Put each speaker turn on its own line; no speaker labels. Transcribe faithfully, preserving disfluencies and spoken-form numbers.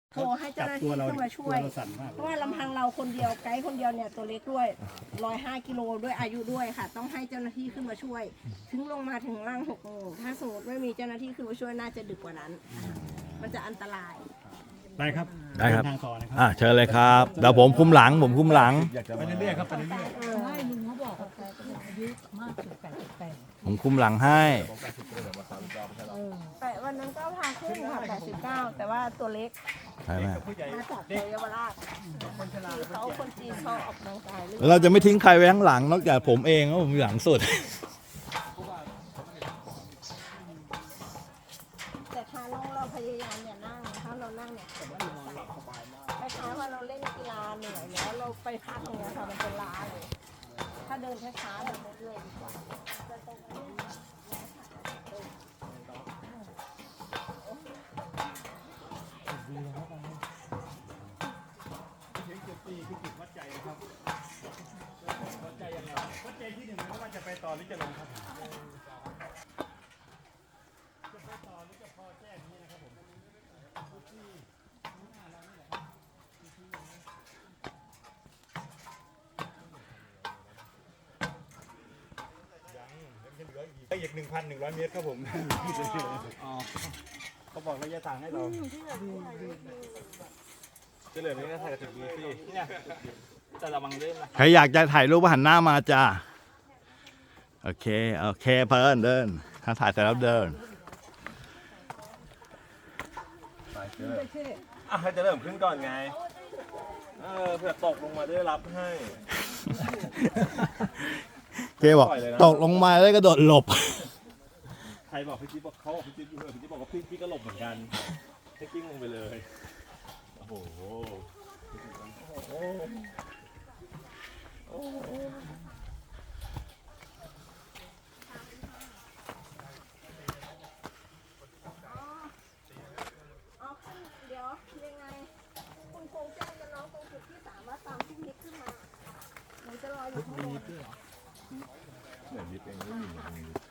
โทรให้เจ้าหน้าที่ขึ้นมาช่วย เพราะว่าลำพังเราคนเดียวไกด์คนเดียวเนี่ยตัวเล็กด้วยร้อยห้ากิโลด้วยอายุด้วยค่ะ ต้องให้เจ้าหน้าที่ขึ้นมาช่วย ถึงลงมาถึงล่างหกโมงถ้าสมมติไม่มีเจ้าหน้าที่ขึ้นมาช่วยน่าจะดึกกว่านั้น มันจะอันตราย
ได้ครับ
ได้ครับ
เดินทางต่อนะครั
อ่ะเชิญเลยครับเดี๋ยวผมคุมหลังผมคุมหลัง
ไปเรื่อยๆครับไปเรื่อย
ใช่ลุงเขาบอกว่าแกอายุมากสุดแปดสิบแปด
ผมคุมหลังให้
แต่วันนั้นก็พาขึ้นค่ะแปดสิบเก้าแต่ว่าตัวเล็ก
ใช่ไหม
ผู้ใหญ่
มาจากเยาวราชที่เขาคนจีนเขาออกกำลังกายหรือ
เราจะไม่ทิ้งใครไว้ข้างหลังนอกจากผมเองเพราะผมอยู่หลังสุด
แต่ถ้าเราเราพยายามอย่านั่งถ้าเรานั่งเนี่ยผมว่ามันสบายมากคล้ายๆว่าเราเล่นกีฬาเหนื่อยแล้วเราไปพักอย่างเงี้ยค่ะมันจะล้าเลยถ้าเดินช้าๆแบบเรื่อยๆดีกว่า
วัดใจยังไงวัดใจที่หนึ่งไม่ว่าจะไปต่อหรือจะลงครับจะไปต่อหรือจะพอแจ้งนี้นะครับผมอีกหนึ่งพันหนึ่งร้อยเมตรครับผมเขาบอกระยะทางให้เราจะเหลือไม่ได้ถ่ายกับจุดนี้สิเนี่ยจะระวังเรื่องนะ
ใครอยากจะถ่ายรูปหันหน้ามาจ้าโอเคโอเคเพิ่นเดินถ้าถ่ายเสร็จแล้วเดิน
อ่ะให้จะเริ่มขึ้นก่อนไง เออเผื่อตกลงมาได้รับให้
เคบอกตกลงมาแล้วก็โดดหลบ
ใครบอกพี่จิ๊บบอกเขาบอกพี่จิ๊บอยู่เออพี่จิ๊บบอกว่าพี่พี่ก็หลบเหมือนกันให้กิ้งลงไปเลย โอ้โห โอ้โหโอ้โห
เอาขึ้นเดี๋ยวยังไงคุณคงแจ้งกับน้องตรงจุดที่สามว่าตามที่นิดขึ้นมาหนูจะรออยู่ข้างบน
เหมือนนิดเองไม่มี